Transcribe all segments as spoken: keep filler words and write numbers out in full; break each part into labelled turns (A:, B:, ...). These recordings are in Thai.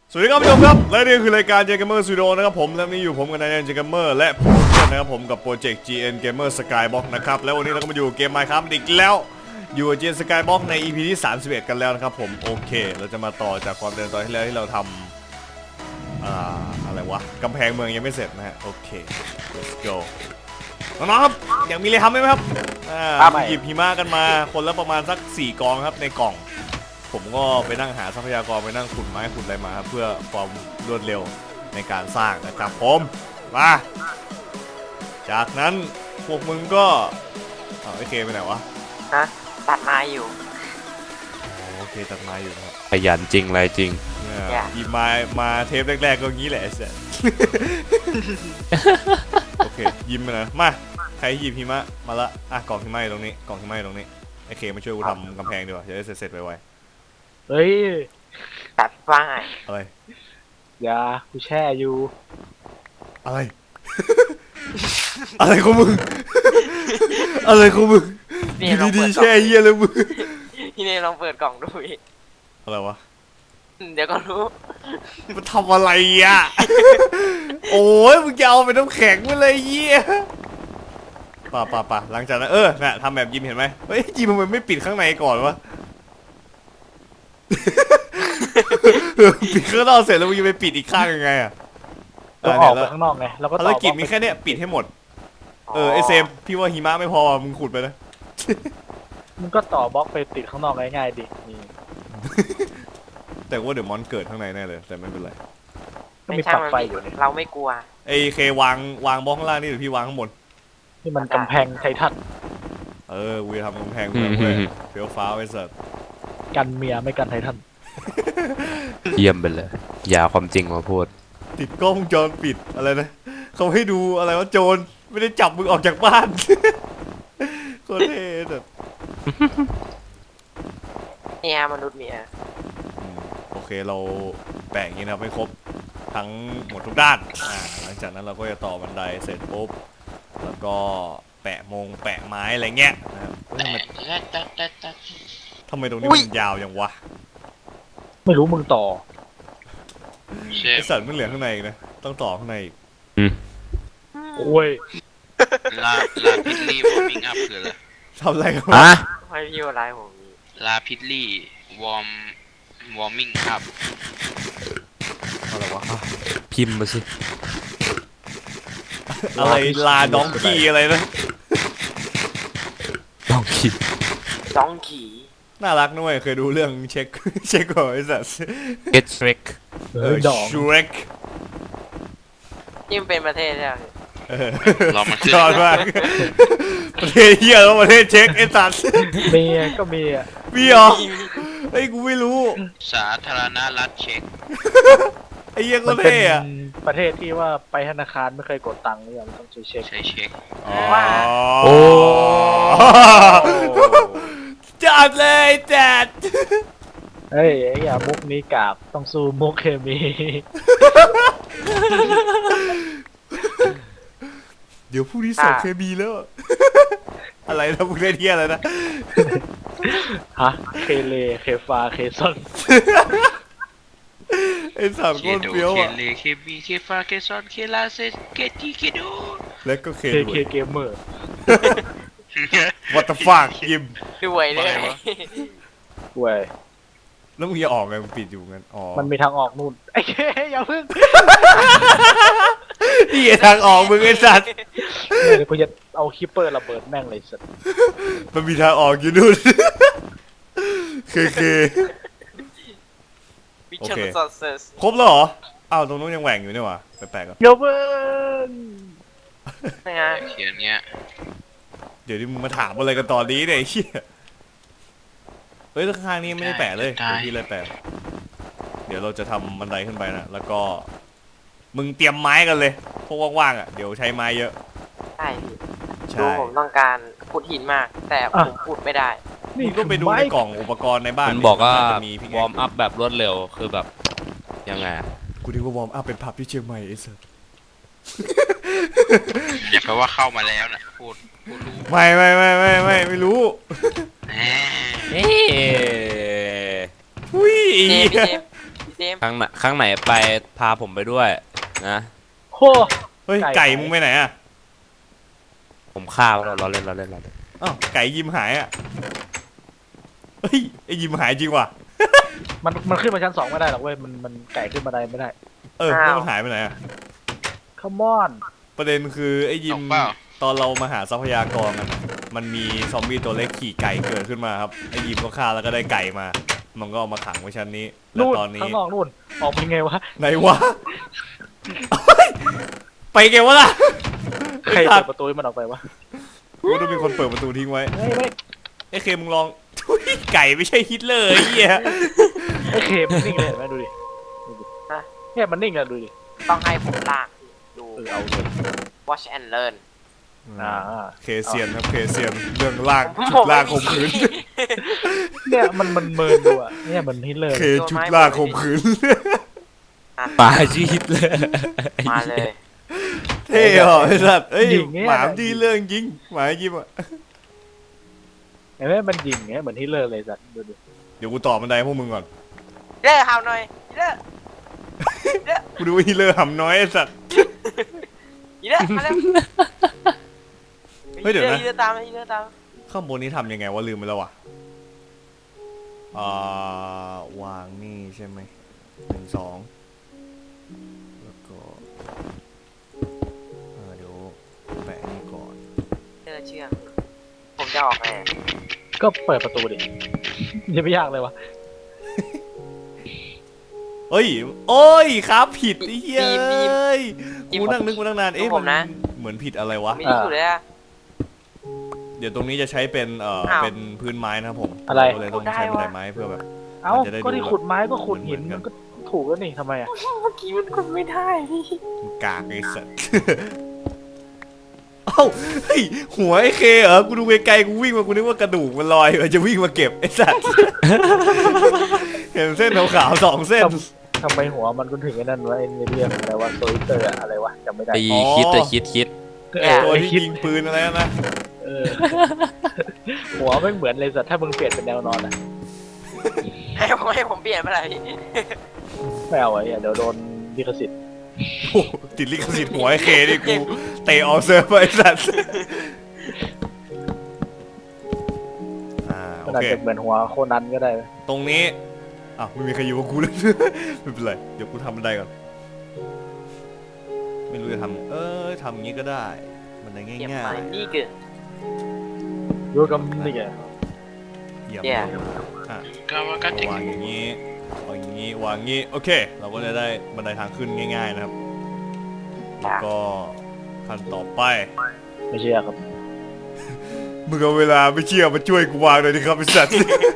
A: สวัสดีครับผู้ชมครับและนี่คือรายการ J-Gamer Studio นะครับผมและนี่อยู่ผมกับนายแอน J-Gamer และผมเพื่อนนะครับผมกับโปรเจกต์ จี เอ็น Gamer Skybox นะครับแล้ววันนี้เราก็มาอยู่เกม Minecraft อีกแล้วอยู่กับ จี เอ็น Skybox ใน อี พี ที่สามสิบเอ็ดกันแล้วนะครับผมโอเคเราจะมาต่อจากความเดิมตอนที่แล้วที่เราทำอ่าอะไรวะกำแพงเมืองยังไม่เสร็จนะฮะโอเค let's go น้องๆครับอยากมีอะไรทำไหมครับอ่าหยิบหิมะกันมาคนละประมาณสักสี่กองครับในกล่องผมก็ไปนั่งหาทรัพยากรไปนั่งขุดไม้ขุดอะไรมาครับเพื่อความรวดเร็วในการสร้างนะครับผมมาจากนั้นพวกมึงก็เอาไอเคไปไหนวะ
B: ฮะตัดไม้อยู่
A: โอเคตัดไม้อยู่ครับ
C: ขยันจริงอะไรจริง
A: เนี่ยหยิบไม้มาเทปแรกๆก็งี้แหละไอ้เสร็จ โอเคยิ้มไปนะมาใครหยิบหิมะมาละอ่ะกล่องหิมะอยู่ตรงนี้กล่องหิมะอยู่ตรงนี้ไอเคมาช่วยกูทำกำแพงดีกว่าจะได้เสร็จๆไว
D: เฮ้ย
B: ตัดฝ้าย
A: ๆอะไร
D: อย่ากูแช่อยู่
A: อะไร อะไรของมึง อะไรของมึง
B: นี่
A: อยู่
B: ลอง
A: ดี
B: เปิด
A: ๆ
B: กล่อ
A: แช่
B: ง
A: เยี่ยเลยมึง
B: พี่เนยลองเปิดกล่องดูอีก
A: อะไรวะ
B: เดี๋ยวก็รู้
A: มันทำอะไรอ่ะ โอ้ยมึงจะเอาไปน้ำแข็งไปเลยเยี่ยป่าป่าป่าหลังจากนั้นเออน่ะทำแบบยิมเห็นไหมเฮ้ยยิมมันไม่ปิดข้างในก่อนวะ ปิดข้างนอกเสร็จแล้วมึงจะไปปิดอีกข้างยังไงอ่ะ
D: ต้องออกไปข้างนอกไงแล้วก็ต่
A: ภาร
D: อ
A: กิจมีแค่เนี้ยปิดให้หมดเออไอเซมพี่ว่าหิมะไม่พอมึงขุดไปนะ
D: มึงก็ต่อบล็อกไปติดข้างนอกง่ายๆดินี่
A: แต่ว่าเดี๋ยวมอนเกิดข้างในแน่เลยแต่ไม่เป็นไร
D: ก็
B: ไม่
D: มี
B: ใช่
D: ปลั๊ก
B: มัน
D: ไฟ
B: ไม่
D: อยู่เนี่ย
B: เราไม่กลัว
A: ไอเควางวางบล็อกข้างล่างนี่เดี๋ยวพี่วางข้างบน
D: นี่มันกำแพงไททัน
A: เออกูจะทำกำแพงเมืองเว้ยเฟี้ยวฟ้าวไอ้สัส
D: กันเมียไม่กันไททัน
C: เยี่ยมไปเลย อย่าความจริงมาพูด
A: ติดกล้องวงจรปิดอะไรนะเขาให้ดูอะไรว่าโจรไม่ได้จับมึงออกจากบ้าน โคตรเท่แบบ
B: เนี่ยมนุษย์เมีย
A: โอเคเราแปะอย่างนี้นะครับให้ครบทั้งหมดทุกด้านอ่าหลังจากนั้นเราก็จะต่อบันไดเสร็จปุ๊บแล้วก็แปะมงแปะไม้อะไรเงี้ยนะครับเฮ้ยทำไมทำไมตรงนี้มันยาวอย่างวะ
D: ไม่รู้มึงต่อ
A: ไอสัตว์มันเหลือข้างในอีกนะต้องต่อข้างในอีก
D: โอ้ย
E: ลาลาพิดลี่วอร์มิงอัพคืออะไร
A: ทำอะไรกัน
C: อ่ะ
A: วะ
B: ให้พี่ว่าร้ายผมมี
E: ลาพิดลี่วอร์มวอร์มิงอัพ
A: อะไรวะ
C: พิมพ์มาสิ
A: อะไรลาดองกี้อะไรนะ
C: ต้องคิด
B: จ้องขี่
A: น่ารักด้วยเคยดูเรื่องเช็ค เช็คก่อนไอ้สัส
C: get trick
D: เออดอก
A: ชูเร็ก
B: ยิ่งเป็นประเทศใช่ไหม
E: รอมันขึ้น
A: ยอดมาก ประเทศเฮียแล้วประเทศเช็คไอ้สัส
D: เมียก็เมีย
A: มีเหรอไอ้ยกูไม่รู้
E: สาธารณรัฐเช็ก
A: ไอ้เหี้ย
D: มั
A: ก็
D: นเป็น
A: เท่อะ
D: ประเทศที่ว่าไปธนาคารไม่เคยกดตังค์เลยอะมันต้องใช้เช็ค
E: ใช้เช็ค
A: อ๋อ
C: โอ้
A: จัดเลยจัด
D: เฮ้ยไอ้อย่ามุกนี้กราบต้องสู้มุกเคมี
A: เดี๋ยวพรุ่งนี้สอบเคมีแล้ว อะไรนะพวกเล่นเฮียอะไรนะ
D: ฮะเคเลเคฟาเคซอน
A: ไอ้สาม
E: เค
A: ก้น
E: โด
A: เฟี้ยว
E: เค
A: อะ
E: เลเคบีเคฟาเคซอนเคลาเซเคทีเคโด
A: แล้วก็เค
D: เค
A: ด้
D: เค
A: วย
D: เกมเมอร์
A: What the fuck ยิม
B: ด้วยเลย
D: เว้ย
A: แล้วมึงจะออกไงมึงปิดอยู่งั้นอ๋อ
D: มันมีทางออกนู่นไอ้เคอย่าพึ่ง
A: นี่ไงทางออกมึงไอ้สัตว์
D: เดี๋ยวกูจะเอาคิปเปอร์ระเบิดแม่งเลยสัตว์
A: มันมีทางออกอยู่นู่น เคเค
B: วิชั่นซอสเซส
A: ครบแล้วเหรอ อ้าวตรงนู้นยังแหว่งอยู่นี่หว่าแปลกๆอ่ะ
D: อย่าเพิ่ง
B: นะฮะ
E: เขียนเงี้ย
A: เดี๋ยวนี้มึงมาถามอะไรกันตอนนี้เนี่ยไอ้เหี้ยเฮ้ยข้างๆนี้ไม่ได้แปะเลยเดี๋ยวพี่เลยแปะ เดี๋ยวเราจะทำบันไดขึ้นไปนะ แล้วก็ มึงเตรียมไม้กันเลยพวกว่างๆอ่ะ เดี๋ยวใช้ไม้เยอะ
B: ใช่พี่
A: ใช่
B: ดูผมต้องการขุดหินมาก แต่ผมขุดไม่ได้
A: มึงก็ไปดูในกล่องอุปกรณ์ในบ้าน
C: มันบอกว่า
A: จะมีพี่
C: วอร์มอัพแบบรวดเร็วคือแบบ ยังไงอะ
A: กูนึกว่าวอร์มอัพเป็นผับที่เชียงใหม่ไอ้สัส
E: อย่าแปลว่าเข้ามาแล้วนะพูดพูดรู้
A: ไม่ไม่ไม่ไม่ไม่ไม่รู้
E: แหม
C: เอ๊ะ
A: อุ้ย
B: เจมส์พี่เจมส์เจมส์
C: ครั้งไหนครั้งไหนไปพาผมไปด้วยนะ
D: โห
A: เฮ้ย
D: ไก่
A: ไก่มึงไปไหนอ่ะ
C: ผมฆ่าเราเราเล่นเราเล่นเราเล่น
A: อ้าวไก่ยิมหายอ่ะเฮ้ยไอยิมหายจริงว่ะ
D: มันมันขึ้นมาชั้นสองไม่ได้หรอกเว้ยมันมันไก่ขึ้นมาได้ไม่ได้
A: เออแล้วมันหายไปไหนอ่ะ
D: คัมอน
A: ประเด็นคือไอ้ยิม
E: ตกเปล่า
A: ตอนเรามาหาทรัพยากรกันอะมันมีซอมบี้ตัวเล็กขี่ไก่เกิดขึ้นมาครับไอ้ยิมก็ฆ่าแล้วก็ได้ไก่มา มันก็เอามาขังไว้ชั้นนี้แล้ว
D: นู่น
A: ตอนนี้
D: ข้างนอกนู่นออกเป็นไงวะ
A: ไหนวะ ไปเกวะล่ะ
D: ใครเปิดประตูให้มันออกไปวะ
A: กูต้องมีคนเปิดประตูทิ้งไว้
D: เฮ้ยเฮ้ย
A: ไอ้เคมึงลอง ทุยไก่ไม่ใช่ฮิตเลอร์ไอ้เหี้ย
D: ไอ้เคมันนิ่งเลยเห็นไหมดูดิดูดิเนี่ยมันนิ่งเลยดูดิ
B: ต้องให้ผมลากดู
D: เออเอาเลย
B: watch and learn
D: อ่า
A: เคเซียนครับเคเซียนเรื่องลาก
B: ผม
A: ชุดลากข่มขืน
D: เนี่ยมันมันเมินดูอ่ะเนี่ยมันฮิตเลย
A: เคชุดลากข่มขืน
C: ปาชีฮิตเลย
B: มาเลย
A: เท่เหรอไอ้สัตว์เอ้ยหมามดีเรื่องจริงหมายิมอ่ะ
D: เห็นไหมมันยิงเงี้ยเหมือนฮิตเลอร์เลยสัตว์ดูดิ
A: เดี๋ยวกูต่อบันไดพวกมึงก่อน
B: เด้อเฮาหน่อยเด้อเด้อ
A: กูดูฮิตเลอร์หำน้อยไอ้สัตว์
B: อีเด้อมาเร็ว
A: เฮ้ยเดี๋ยวนะ
B: อีเด้อตามอีเด้อตาม
A: ข้างบนนี้ทำยังไงวะลืมไปแล้วว่ะอ่าวางนี่ใช่ไหมหนึ่งสองแล้วก็เออเดี๋ยวแปะนี่ก่อน
B: เด้อเชื่องผมจะออกไง
D: ก็เปิดประตูดิยังไม่ยากเลยวะ
A: เอ้ยโอ้ยครับผิดไอ้เหี้ยเอ้ยกูนั่งนึกมาตั้งนานเอ๊ะมันเหมือนผิดอะไรวะ
B: มีที่สุดเลยอะ
A: เดี๋ยวตรงนี้จะใช้เป็นเอ่อ
B: อ้าว
A: เป็นพื้นไม้นะครับผม
D: อะไร
A: ก็เลยต้องใช้บันไดไม้เพื่อแบบ
D: เอ้า
A: มันจะได้
D: ก็ที่
A: ดู
D: ขุดไม้ก็ขุดหิน
A: เหมือนกัน
D: มันก็ถูกแล้วนี่ทำไมอ่ะ
B: เมื่อกี้มันกดไม่ได้พี่
A: มันกากไอ้สัส เอ้าเฮ้ยหัวไอ้เคเหรอกูดูไกลๆกูวิ่งมากูนึกว่ากระดูกมันลอยมันจะวิ่งมาเก็บไอ้สัส เห็นเส้นขาวๆสองเส้น
D: ทำไมหัวมันก็ถึงไอ้นั่นวะไอ้เรื่องอะไรวะโซลิเตอร์อะไรวะจำไม่ได้
C: ไอ้
A: อ๋อ
C: คิดแต่คิดคิด
D: เออ
A: ตัว
D: ไอ้
A: ที่
D: คิด
A: ยิงปืนอะไรนะ
D: เออหัวไม่เหมือนเลยสัตว์ถ้ามึงเปลี่ยนเป็นแนวนอนอ่ะ
B: ให้ผมให้ผมเปลี่ยนไปเลยพี่
D: ไม่เอาไอ้เหี้ยเดี๋ยวโดนลิขสิทธิ์
A: โอ้โหติดลิขสิทธิ์หัวไอ้เคนี่กูเตะออกเซิร์ฟไปไอ้สัสอ่าโอ
D: มันอาจ
A: เค
D: จะเหมือนหัวโคนันก็ได้
A: ตรงนี้อ้าวไม่มีใครอยู่กับกูเลย ไม่เป็นไรเดี๋ยวกูทำบันไดก่อนไม่รู้จะทำเออทำอย่างนี้ก็ได้บันได
B: เปลี่ยน
A: ง่า
B: ไป
A: ย
B: นี่เกิน
D: ดูกับนี่ไง
A: ๆเยี่ยม
B: แย่
A: อ่ะ
E: กาวากาติ
A: วางอย่างนี้วางอย่างนี้วางอย่างนี้โอเค เราก็จะได้บันไดทางขึ้นง่ายๆนะครับแล้วก็ขั้นต่อไป
D: ไม่เชื่อครับ
A: มึงเอาเวลาไม่เชื่อมาช่วยกูวางหน่อยดิครับไอ้สัตว์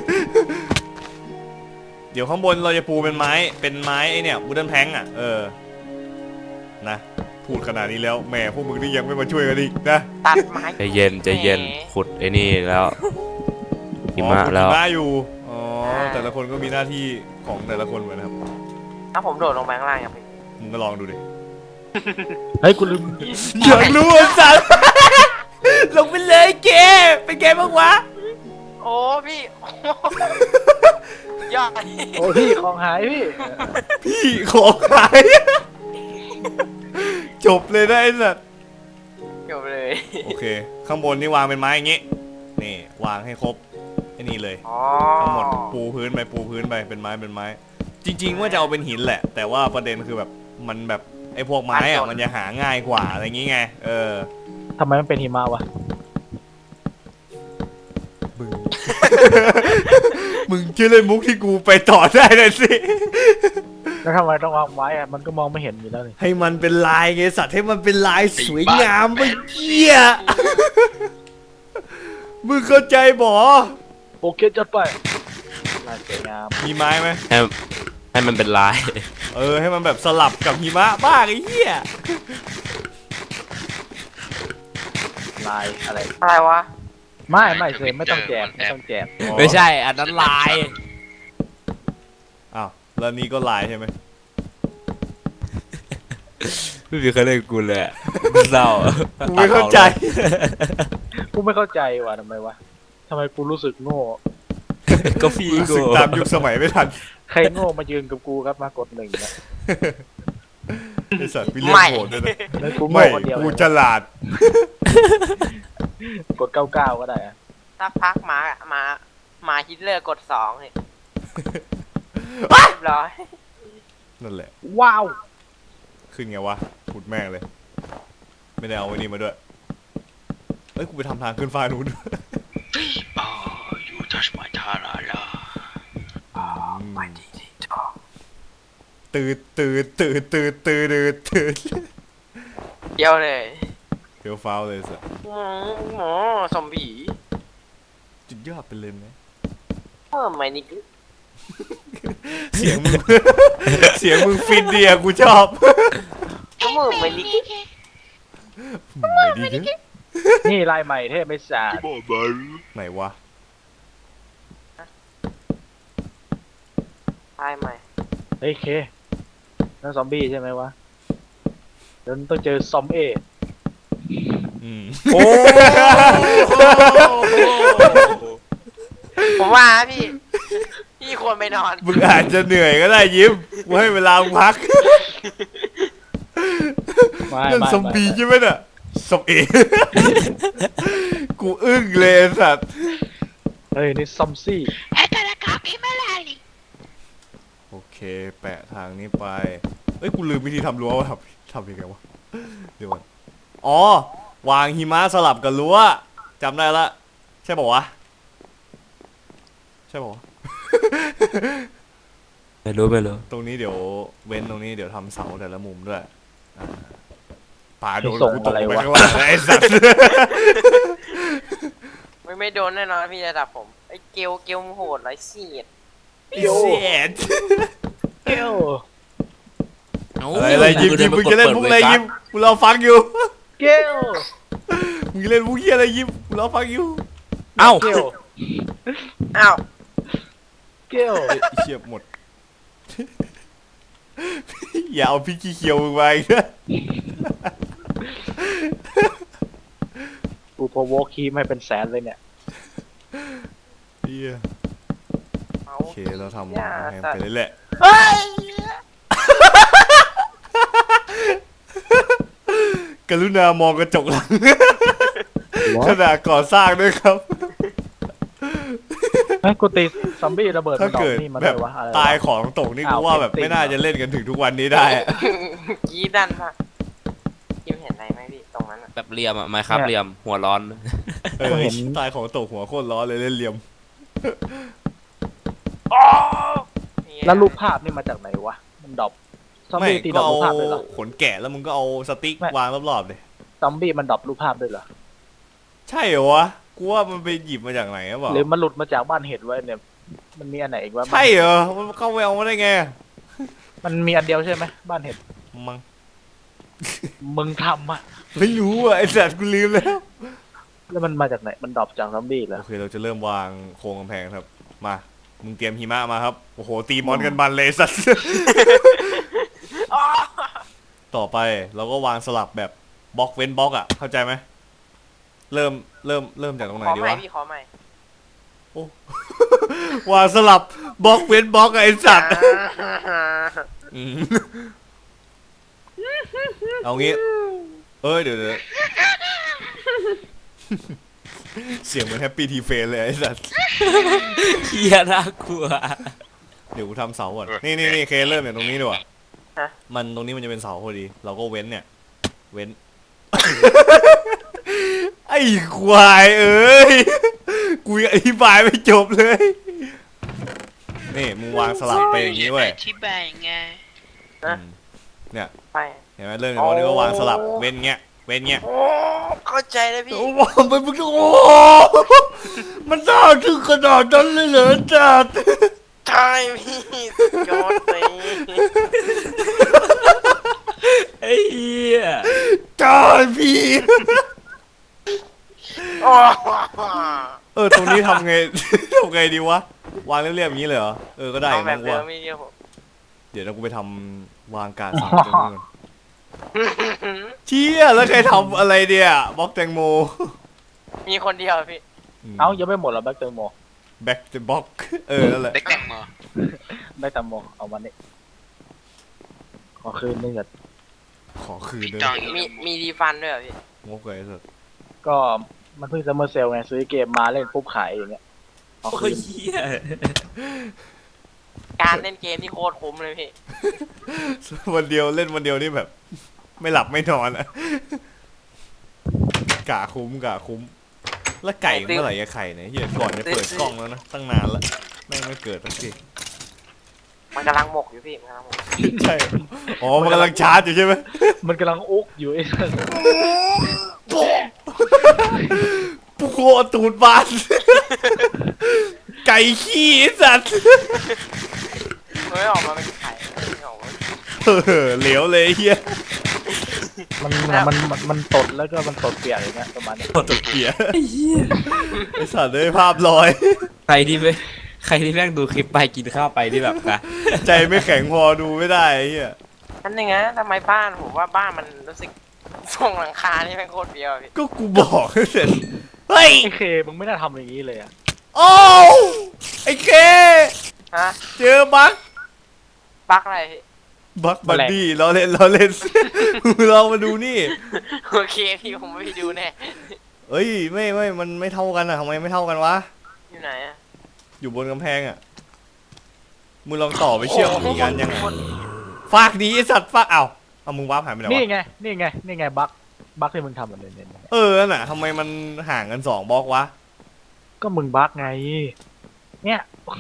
A: เดี๋ยวข้างบนเราจะปูเป็นไม้เป็นไม้ไอเนี่ยบูดันแพงอ่ะเออนะพูดขนาดนี้แล้วแหมพวกมึงนี่ยังไม่มาช่วยกันอีกนะ
B: ตัดไม้
C: ใจเย็นใจเย็นขุดไอ้นี่แล้วหิมะ
A: อ๋อ
C: แล้ว
A: หิมะอยู่อ๋อแต่ละคนก็มีหน้าที่ของแต่ละคนเหมือนนะครับ
B: ถ้าผมโดดลงไปข้างล่างยังเป็น
A: มึงก็ลองดูดิ
D: เฮ้ยกูลืม
A: อยากรู้ไอ้สัตว์ ลงไปเลยเกเป็นไงบ้างวะ
B: โอ้พี่ โอ้ยอด
D: โอ้พี่ของหายพี่
A: พี่ของหาย จบเลยนะไอ้สัตว์
B: จบเลย
A: โอเค ข้างบนนี่วางเป็นไม้อย่างงี้นี่วางให้ครบไอ้นี่เลย
B: อ๋อ
A: ทั้งหมดปูพื้นไปปูพื้นไปเป็นไม้เป็นไม้ จริง ๆ ว่าจะเอาเป็นหินแหละ แต่ว่าประเด็นคือแบบมันแบบไอ้พวกไม้อะมันจะหาง่ายกว่าอะไรอย่างงี้ไงเออ
D: ทำไมมันเป็นหิมะวะ
A: มึง มึงเชื่อเล่นมุกที่กูไปต่อได้เลยสิ
D: แล้วทำไมต้องวางไว้อะมันก็มองไม่เห็นอยู่แล้วนี่
A: ให้มันเป็นลายไงสัตว์ให้มันเป็นลายสวยงามไปเยี่ย มึงเข้าใจบ่
D: โอเคจัดไปลายสวยงาม
A: มีไม้ไหม
C: ให้ให้มันเป็นลาย
A: เออให้มันแบบสลับกับหิมะบ้างไอ้เหี้ย
D: ลายอะไร
B: อะไรวะ
D: ไม่ไม่เซมไม่ต้องแจกไม่ต้องแจก
C: ไม่ใช่อันนั้นลาย
A: อ้าวแล้วนี่ก็ลายใช่ไหม
C: ไม่มีใครเล่นกูเลยอะเศร้า
A: กูไม่เข้าใจ
D: กูไม่เข้าใจว่ะทำไมวะทำไมกูรู้สึกโง่
C: ก็พี่
A: รู้
C: กู
A: สึกตามยุคสมัยไม่ทัน
D: ใครโง่มายืนกับกูครับมากดหนึ่งนะ
A: ไอสัตว์พี่เลี้ยง
B: ไม่
A: โหดด้วยนะ
D: แล้วกูโง่
A: ไม่
D: คนเดียว
A: กู
D: เลย
A: ฉลาด
D: กดเก้าเก้าก็ได้อะ
B: ถ้าพักมามามาฮิตเลอร์กดสองเนี่ยเรียบร้อย
A: นั่นแหละ
D: ว้าว
A: ขึ้นไงวะขุดแม่งเลย ไม่ได้เอาไว้นี่มาด้วยเอ้ยกูไปทำทางขึ้นฟ้านู้น
E: อ๋อ you touch my tarara
A: ตื่นตื่นตื่นตื่นตื่นตื่นตื่น
B: เดียวเลย
A: เดี๋ยวฟ้าวเลยสัส
B: หมูหมูสมผี
A: จุดยอดไปเลยไหม
B: เออไม่นี่คือ
A: เสียงมึง เสียงมึงฟินเดียกูชอบ
B: ก็มือไม่นี่คือ
A: ไม่ดีเด้อ
D: นี่ลายใหม่เทพไม่สาด
A: ไหนวะ
B: ตายใหม่
D: เฮ้ยเคนั่นซอมบี้ใช่ไหมวะเดี๋ยวต้องเจอซอมเอ
A: อืม
D: โอ้
B: ผมว่าพี่ พี่ควรไปนอน
A: มึงอาจจะเหนื่อยก็ได้ยิ้มกูให้เวลามึงพัก
D: ไม่
A: นั่น
D: ไม่
A: ซอมบี้ใช่ไหมน่ะซอมเอ กูอึ้งเลยไอ้สัตว์
D: เฮ้ยนี่ซอมซี่
E: ไอ้ตะละกากิมาลาลิ
A: โอเคแปะทางนี้ไปเอ้ยกูลืมวิธีทำรั้วว่าทำทำยังไงวะเดี๋ยวก่อนอ๋อวางหิมะสลับกับรั้วจำได้ละใช่ป่าวะใช่ป่าวะ
C: ไม่รู้ไม่รู้
A: ตรงนี้เดี๋ยวเว้นตรงนี้เดี๋ยวทำเสาแต่ละมุมด้วยอ่าป่าโดน
D: ส่ง
A: กูตก
D: อะไร
A: ไป
D: วะ
A: ข้างล่างเลยไอ้สัตว์
B: ไม่ไม่โดนแน่นอนพี่ระดับผมไอ้เกลเกลมโหดไรเสียด
A: ไอ้เสียด
D: เกล
A: อะไรอะไรยิ้มยิ้มมึงจะเล่นมุกอะไรยิ้มกูรอฟังอยู่
D: เกล
A: มึงจะเล่นมุกเหี้ยอะไรยิ้มกูรอฟังอยู่
C: เอ้า
D: เกล
B: อ้าว
D: เกล
A: เฮ้ยไอ้เชี่ยหมด อย่าเอาพี่ขี้เคียวมึงไปนะ
D: กูพอวอลคีไม่เป็นแสนเลยเนี่ย
A: เฮีย
B: เอา
A: โอเคเราทำแพงไปเรื่อยแหละ
B: เฮ้ย
A: กรุณามองกระจกหลัง ขณะก่อสร้างด้วยครับ
D: เฮ้ยกูตีซอมบี้ระเบิด
A: ถ้า
D: มันดอก
A: เกิด
D: นี่มา
A: แบ
D: ด้ว
A: บ
D: ยวะอะไรวะ
A: ตายของตกนี่กู
D: อ้าว
A: ว่าแบบ
D: เก็บติ่ง
A: ไม่น่าจะเล่นกันถึงทุกวันนี้ได้อะ
B: กรีดดันมากคิมเห็นอะไรไหมพี่ตรงนั้นอ่ะ
C: แบบเหลี่ยมอ่ะไมครับเหลี่ยมหัวร้อน
A: เออตายของตกหัวโคตรร้อนเลยเล่นเหลี่ยม
B: นี่
D: แล้วรูปภาพนี่มาจากไหนวะมันดรอปซอม
A: ไม่
D: บี้ตีดร
A: ก็
D: อป
A: เอา
D: รูปภาพด้วยเหรอ
A: ขนแกะแล้วมึงก็เอาสติ๊ก
D: ไม่
A: วางรอบๆเลย
D: ซอมบี้มันดรอปรูปภาพด้วยเหรอ
A: ใช่เหรอวะกูว่ามันไปหยิบมาจากไหนหรือเปล่า
D: หรือมันหลุดมาจากบ้านเห็ดไว้เนี่ยมันมีอันไหนอีกวะ
A: ใช่เหรอมันเข้าไปเอามาได้ไง
D: มันมีอันเดียวใช่ไหมบ้านเห็ด
A: มัง
D: มึงทำอะ
A: ไม่รู้อ่ะไอ้สัตว์กูลืมแล้ว
D: แล้วมันมาจากไหนมันดรอปจากซอมบี้เหรอ
A: โอเคเราจะเริ่มวางโครงกำแพงครับมามึงเตรียมหิมะมาครับโอ้โหตีมอนกันบันเลยสัตว์
B: อ๋อ
A: ต่อไปเราก็วางสลับแบบบล็อกเว้นบล็อกอ่ะเข้าใจไหมเริ่มเริ่มเริ่มจากตรงไหน
B: ขอ
A: ดี
B: ใหม่
A: วะ
B: พี่ขอใหม่
A: โอ้ วางสลับบล็อกเว้นบล็อกอะไอ้สัตว์ อืมเอางี้ เอ้ยเดี๋ยวเดี๋ยวเสียงเหมือนแฮปปี้ทีเฟนเลยไอ้สัตว์
C: เฮียน่ากลัว
A: เดี๋ยวกูทำเสาก่อนนี่นี่นี่เคเริ่มเนี่ยตรงนี้ดีกว่า
B: ฮะ
A: มันตรงนี้มันจะเป็นเสาพอดี เราก็เว้นเนี่ย เว้น ไอ้ควายเอ้ย กูยังอธิบายไม่จบเลย นี่มึงวางสลับไปอย่างนี้เว้ย
E: อธิบายยังไง
A: อืมเนี่ย
B: ไป
A: เห็นไหมเริ่มจากตรงนี้ก็วางสลับเว้นเงี้ย เว้นเงี้ย
B: โอ้เข้าใจแล้วพี่
A: โอ้โหมันมึงโอ้มันน่าถึงขนาดนั้นเลยเหรอจัด
B: ใช่พี่สุดยอดเลย
C: ไอ้เหี้ย
A: จ้าพี่
B: โอ้
A: เออตรงนี้ทำไง ทำไงดีวะ วางเรียบๆอย่างนี้เลยเหรอ เออก็ได้
B: เอาแบ
A: นะ
B: บ
A: กู
B: เดิม
A: ว่า
B: ไม่เดียวผม
A: เดี๋ยวเรากูไปทำวางการสามตรงนี้ก่อนเชี่ยแล้วใครทำอะไรเนี่ยบล็อกแตงโม
B: มีคนเดียวพี่
D: เอ้ายังไม่หมดเหรอแบ็คเตอร์โม
A: แบ็กเดอะบ็อกเออนั่นแหละ
E: เด็กแต่งมา
D: บได้แต่หมวกเอามาเนี่ยขอคืนนึงก่อน
A: ขอคืน
E: พี่
A: เลย
E: จองอี
B: มี
E: ก
B: มีรีฟันด้วยเหรอพี่
A: งกเลยสุด
D: ก็มันเพิ่งซัมเมอร์เซลไงซื้อเกมมาเล่นปุ๊บขายอย่างเงี้ยขอ
C: โอ้
D: คื
C: ย
D: น
C: เหี้ย
B: การเล่นเกมที่โคตรคุ้มเลยพี่
A: วันเดียวเล่นวันเดียวนี่แบบ ไม่หลับไม่นอนอะกะคุ้มกะคุ้ม แล้วไก่เมื่อไหร่จะไข่เนี่ยเฮียก่อนจะเปิดกล้องแล้วนะตั้งนานแล้วแม่งไม่เกิดสักที
B: มันกำลังหมกอยู่พี่มันกำลังหมก
A: ใช่อ๋อมันกำลังชาร์จอยู่ใช่ไหม
D: มันกำลังอุกอยู่ไอ้
A: ปูโคตูดบาน ไก่ขี้ไอ้สัตว์
B: มันไม่ออกมาเป็นไข่ไม่ออกมา
A: เออเหลวเลยไอ้เฮีย
D: มันมันมันมันตดแล้วก็มันตดเปียกอย่างเงี้ยประมาณนี้
A: ตกเกียไอ้สัตว์เลยภาพลอย
C: ใครที่ไม่ใครที่แม่งดูคลิปไปกินข้าวไปที่แบบนะ
A: ใจไม่แข็งพอดูไม่ได้ไอ้เฮีย
B: นั่นเองนะทำไมบ้านผมว่าบ้านมันรู้สึกทรงหลังคานี่แม่งโคตรเบี้ยวพี่
A: ก็กูบอกให้เสร็จเฮ้ย
D: ไอ้เคมึงไม่น่าทำอย่างนี้เลยอ่ะ
A: โอ้ไอ้เค
B: ฮะ
A: เจอบัก
B: บักอะไรพี่
A: บักบัดดี้เราเล่นเราเล่น เรามาดูนี่
B: โอเคพี่ผมไม่ไปดูแน่
A: เอ้ยไม่ไม่มันไม่เท่ากันอะทำไมไม่เท่ากันวะ
B: อยู่ไหนอะ
A: อยู่บนกำแพงอะมึงลองต่อไปเชื่อมอีกกันยังไงฟากดีไอสัตว์ฟากเอาเอามึงวาร์ปหายไปไหน
D: นี่
A: วะ
D: ไงนี่ไงนี่ไงบั๊กบั๊กที่มึงทำแบบเนี่ยเนี่ย
A: เออนั่นน่ะทำไมมันห่างกันสองบล็อกวะ
D: ก็มึงบั๊กไงเนี่ย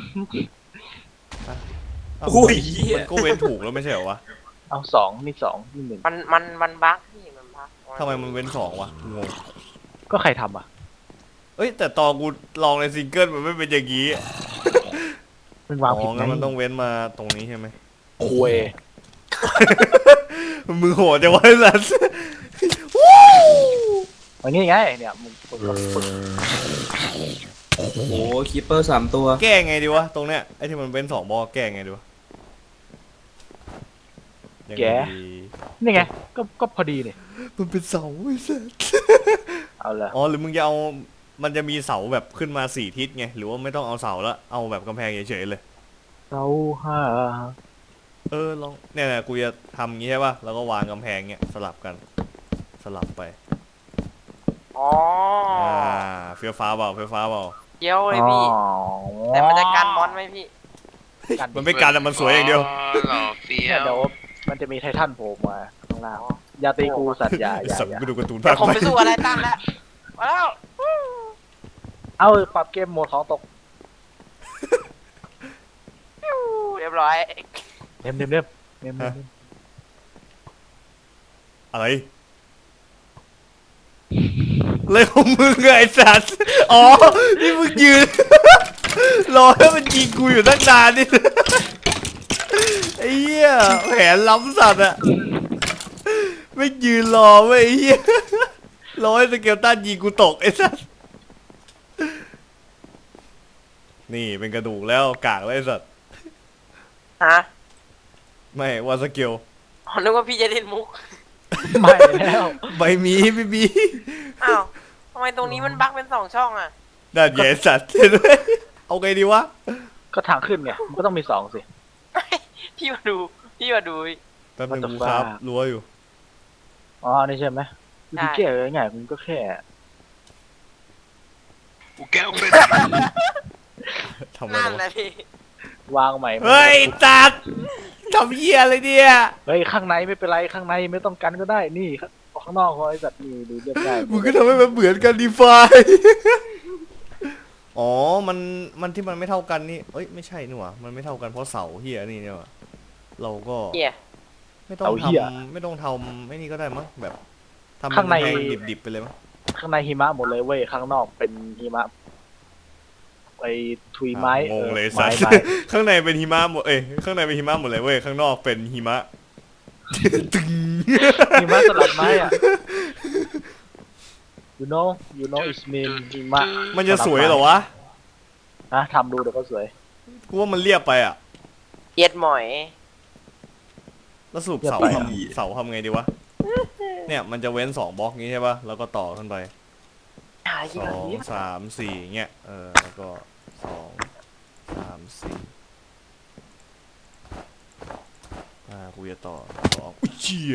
A: เอ้า
C: โอ้ยเหี้ย
A: มันก็เว้นถูกแล้วไม่ใช่เหรอวะ
D: เอาสองนี่สองนี่หนึ่ง
B: มันมันมันบักพี่มันบัก
A: ทำไมมันเว้นสองวะงง
D: ก็ใครทำอ่ะ
A: เอ้ยแต่ตอนกูลองในซิงเกิลมันไม่เป็นอย่างงี้อะ
D: มึง
A: อ๋
D: วาง
A: อ
D: ผิด
A: งั้นมันต้องเว้นมาตรงนี้ใช่ไหม
D: คุย
A: มึงโหดจังวะไอ้สัส
D: อย่างงี้ไงเนี่ยมึงฝึกฝึก
C: โอ้โหคีปเปอร์สามตัว
A: แก้ไงดีวะตรงเนี้ยไอ้ที่มันเป็นสองบอลแก้ไงดีวะยังไงดี
D: นี่ไงก็ก็พอดีนี่
A: มันเป็นเสาไอ้สัส
D: เอาละ
A: อ๋อหรือมึงจะเอามันจะมีเสาแบบขึ้นมาสี่ทิศไงหรือว่าไม่ต้องเอาเสาละเอาแบบกำแพงเฉยๆเลย
D: เราห้า
A: เออลองเนี่ยนะกูจะทำงี้ใช่ป่ะแล้วก็วางกำแพงเนี้ยสลับกัน สลับไป
B: อ๋อ
A: อ่าเฟี้ยวฟ้าเปล่าเฟี้ยวฟ้าเปล่า
B: เยี่ยวเลยพี่ แต่มันจะกันมอนไหมพี่
A: มันไม่การแต่มันสวยอย่างเดียว
E: หล่อเฟี้ย
D: เนี่ยว เดี๋ยวมันจะมีไททันโผล่มาข้างล่างอย่าตีกูสัตว์อย่าอย่า
A: สัตว์
D: อย่า
A: ไปดูการ์ตูน
B: เดี๋
A: ภา
B: ยว
A: ค
B: ผม
A: ใหม่
B: ไปสู้อะไรตั้งแล้วมาแล้ว
D: เอาปรับเกมโหมดของตก
B: ปิ้วเรียบร้อย
D: เต็มเต็มเต็มเต็มเต็ม
A: อะไรอะไรของมึงไงไอ้สัตว์อ๋อนี่มึงยืน รอให้มันยิงกูอยู่ตั้งนานนี่ ไอ้เหี้ยแผนล้ำสัตว์อะไม่ยืนรอไว้ยไอ้เหี้ยรอให้สเกลตันยิงกูตกไอ้สัตว์นี่เป็นกระดูกแล้วกากแล้วไอ้สัตว์
B: ฮะ
A: ไม่ว่าสเกล
B: อ๋อนึกว่าพี่จะเล่นมุก
D: ไม่แล้ว
A: ใบมีไม่มี
B: อ้าวทำไมตรงนี้มันบักเป็นสองช่องอ่ะ
A: ด้านใหญ่สัตว์เห็นไหมเอาไงดีวะ
D: ก็ทางขึ้นไงมันก็ต้องมีสองสิ
B: พี่มาดูพี่มาดู
A: แป๊บนึง
D: What the
A: กูครับ
D: fuck
A: รั้วอยู่
D: อ๋อนี่ใช่ไหมวิธีแก้ง่ายๆมึงก็แค่
E: กูแก้วเป็น
A: ทำไม
B: นั่น
A: วะ
B: นะพี่
D: วางใหม่
A: เฮ้ยจัดทำเหี้ยอะไรเนี่ย
D: เฮ้ยข้างในไม่เป็นไรข้างในไม่ต้องกันก็ได้นี่ข้างนอกเขาไอ้สัตว์นี่ดูเรียบได้
A: มึงก็ทำให้มันเหมือนกันดีไฟ อ๋อ มัน มันที่มันไม่เท่ากันนี่เอ้ย ไม่ใช่นี่หว่ามันไม่เท่ากันเพราะเสาเฮียนี่เนี่ยว่ะเราก็
B: เฮีย
A: ไม่ต้องทำไม่ต้องทำไม่นี่ก็ได้มั้งแบบทำ
D: ข้างใน
A: แพงดิบๆไปเลยมั้ง
D: ข้างในหิมะหมดเลยเว้ยข้างนอกเป็นหิมะไอ้ทุยไม้
A: อ่ะงงเลย
D: ออ
A: สั
D: ไม้
A: ส
D: ไม้
A: ข้างในเป็นหิมะหมดเอ้ยข้างในเป็นหิมะหมดเลยเว้ยข้างนอกเป็นหิมะ ตึง
D: หิมะสลับไม้อ่ะ you know you know it's mean หิมะ
A: มันจะสวยเหรอวะ
D: นะทำดูเดี๋ยวก็สวย
A: กูว่ามันเรียบไปอ่ะ
B: เย็ดหมอย
A: แล้วสรุป
D: เรียบ
A: เสา
D: ไป
A: ทำเสาทำไงดีวะเนี่ยมันจะเว้นสองบล็อกนี้ใช่ป่ะแล้วก็ต่อขึ้นไป
B: หา
A: ส
B: ที่ไหน
A: องสามสี่เงี้ยเออแล้วก็สองสามสี่กูจะต่อสองอุ้ยเชี่ย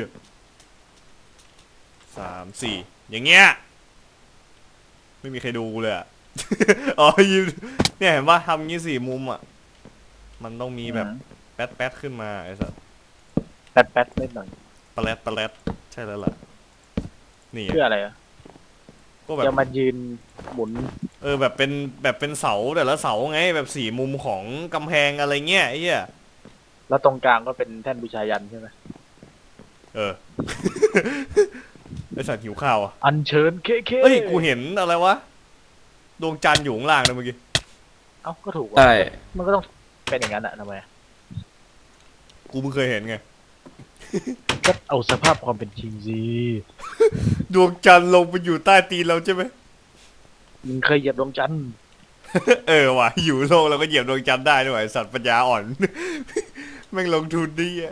A: สามสี่อย่างเงี้ยไม่มีใครดูกูเลยอะ อ๋อยิมเนี่ยเห็นปะทำงี้สี่มุมอ่ะมันต้องมีแบบแป๊ดแป๊ดขึ้นมาไอ้สัส
D: แป๊ดแป๊ดนิดหน่อย
A: ปลาแรดปลาแรดใช่แล้วล่ะนี่
D: เพื่ออะไรอ่ะ
A: ก็แบบ
D: จะมายืนหมุน
A: เออแบบเป็นแบบเป็นเสาแต่ละเสาไงแบบสี่มุมของกำแพงอะไรเงี้ยไอ้เหี้ย
D: แล้วตรงกลางก็เป็นแท่นบูชายันใช่ไหม
A: เออ ไอสัตว์หิวข้าวอ่ะ
D: อัญเชิญเคเค
A: เฮ้ยกูเห็นอะไรวะดวงจันทร์อยู่ข้างล่างนะเมื่อกี้
D: เอ้าก็ถูก
C: ใช่
D: ว่ะมันก็ต้องเป็นอย่างนั้นอะทำไม
A: กูเพิ่งเคยเห็นไง
D: ก็เอาสภาพความเป็นจริงสิ
A: ดวงจันทร์ลงไปอยู่ใต้ตีนเราใช่ไหม
D: มึงเคยเหยียบดวงจันทร์
A: เออว่ะอยู่โลกเราก็เหยียบดวงจันทร์ได้ด้วยไอ้สัตว์ปัญญาอ่อน แม่งลงทุนดีอะ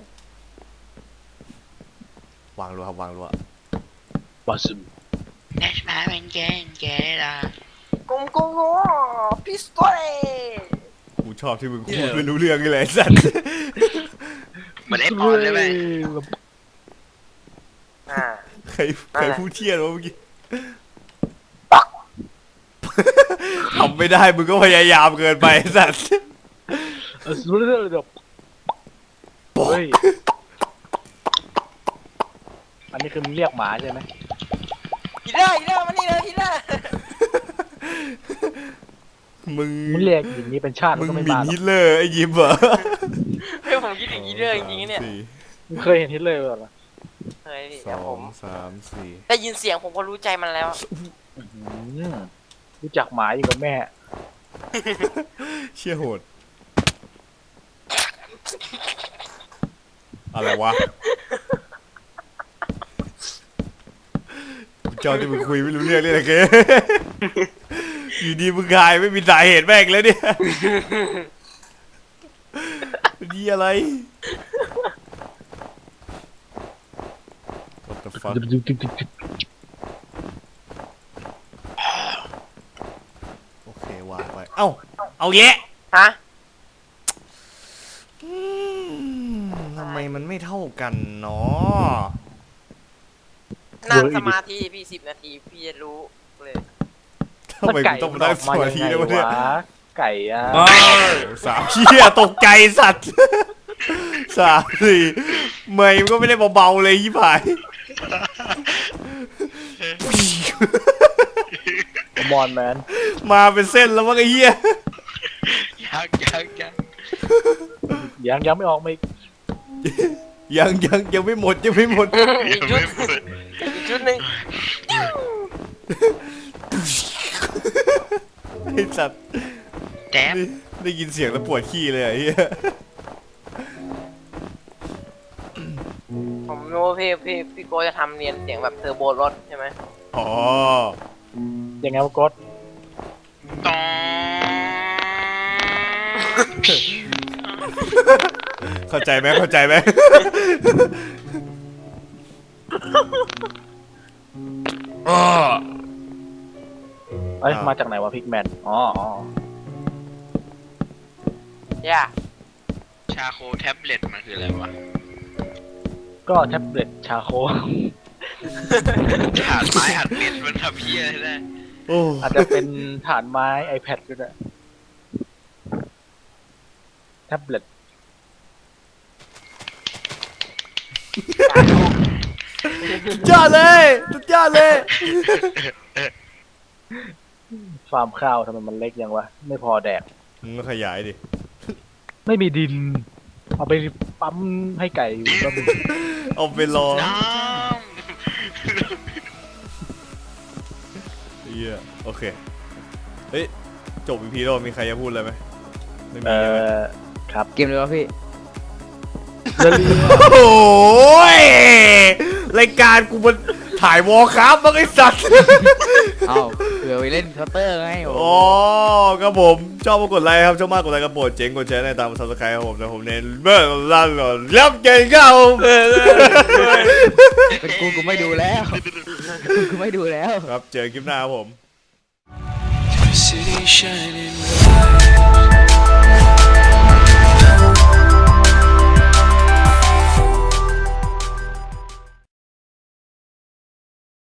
A: วางรัวครับวางรัว
D: บาซึม
E: That's my man can get it
B: กงกงโง่พิสโตเล่
A: กูชอบที่มึงพูดไม่รู้เรื่องเลยไอ้สัตว์
E: เหมือนไอ้ปอนเลยไหม
B: อ่า
A: ใครใครพูดเที่ยนวะเมื่อกี้ ทำไม่ได้มึงก็พยายามเกินไปไอ้สัตว์
D: เออรู้เรื่องเลยเดี๋ยวเฮ้ยอันนี้คือมึงเรียกหมาใช่ไหม
B: ฮิลเลอร์ฮิลเลอร์มานี่เลยฮิลเลอร์
A: มึง
D: มึงเรียกอย่างนี้เป็นชาติ
A: มึ
D: มัน
A: ง
D: ก็ไม่
A: หมิ่น
D: มาหรอ
A: ฮิ
D: ก
A: ตเลอร์ไอ้ยิมเหรอ
B: เฮ้ยผมคิดถึงฮิลเลอร์จริงๆเนี่ย
A: สี่
D: มึงเคยเห็นฮิตเลอร์เหรอ
B: เฮ้ย
A: ส
B: เดี๋ยว
A: อ
B: ผ
A: ง
B: ม
A: สามสี่
B: ได้ยินเสียงผมก็รู้ใจมันแล้ว
D: อื้อหือรู้จักหมาอยู่กับแม่
A: เชี่ยโหดอะไรวะกูเจ้าที่มึงคุยไม่รู้เรื่องเลยนะเก อยู่ดีมึงกายไม่มีสาเหตุแม่งเลยเนี่ย ดีอะไร What the fuck โอเควางไปเอ้าเอาแยะ
B: ฮะ
A: อืมทำไมมันไม่เท่ากันเนาะ
B: นั่งสมาธิพี่สิบนาทีพี่จะรู้เลย
A: ทำไมกูต้องมาได้สมาธิด้วยวะเนี่ย
D: ไก่อะ
A: สามเชี่ยตกใจสัตว์ สามสี่เมย์มันก็ไม่ได้เบาๆเลยยี่ผาย
D: มอนแมน
A: มาเป็นเส้นแล้วมั้งไอ้เหี้ย
E: ยังยังยัง
D: ยังยังไม่ออกมาอีก
A: ยังยังยังไม่หมดยังไม่หมด
B: อีกชุดอีกชุดหนึ่ง
A: ไอ้สัตว์
E: แจ๊บ
A: ได้ได้ยินเสียงแล้วปวดขี้เลยไอ้เหี้ย
B: ผมรู้ว่าพี่พี่พี่โกจะทำเรียนเสียงแบบเทอร์โบรถใช่ไหม
A: อ๋อ
D: ยังไงวะกด
E: ตอง
A: เข้าใจไหมเข้าใจไหม
D: เอ้ยมาจากไหนวะพิกแมนอ๋ออ๋อ
B: ย่า
E: ชาโคแท็บเล็ตมันคืออะไรวะ
D: ก็แท็บเล็ตชาโค
E: ฐานไม้อัดเม็ดมันทำเพี้ยอะไรได้
A: โอ้
D: อาจจะเป็นฐานไม้ iPad ก็ได้แท็บเล็ต
A: สุดยอดเลยสุดยอดเลย
D: ฟาร์มข้าวทำไมมันเล็กยังวะ ไม่พอแดก
A: มึงก็ขยายดิ
D: ไม่มีดิน เอาไปปั๊มให้ไก่อยู่ก็มี
A: เอาไปรอ
E: น้
A: เหี้ยโอเค เฮ้ย จบอีพีแล้วมีใครจะพูดอะไรไหมไม่มี
D: เอ่
A: ใช่ไหม
D: อครับ
F: เกมเลยวะพี่
D: เดลี
A: โอ้ยรายการกูมันถ่ายวอลครับบ้างไอ้สัตว์
F: เอ้าเผื่อไปเล่นเคาน์เตอร์ไงโอ้
A: อ๋อครับผมชอบมากดไลค์ครับชอบมากกดไลค์กระโปรดเจ๋งกดแชร์ในตามซับสไครต์ครับผมนะผมเน้นเมื่อลั่นหล่อยับเก่งเข้า
F: เป็นกูกูไม่ดูแล้วกูกูไม่ดูแล้ว
A: ครับเจอคลิปหน้าครับผม
E: ำ City shining bright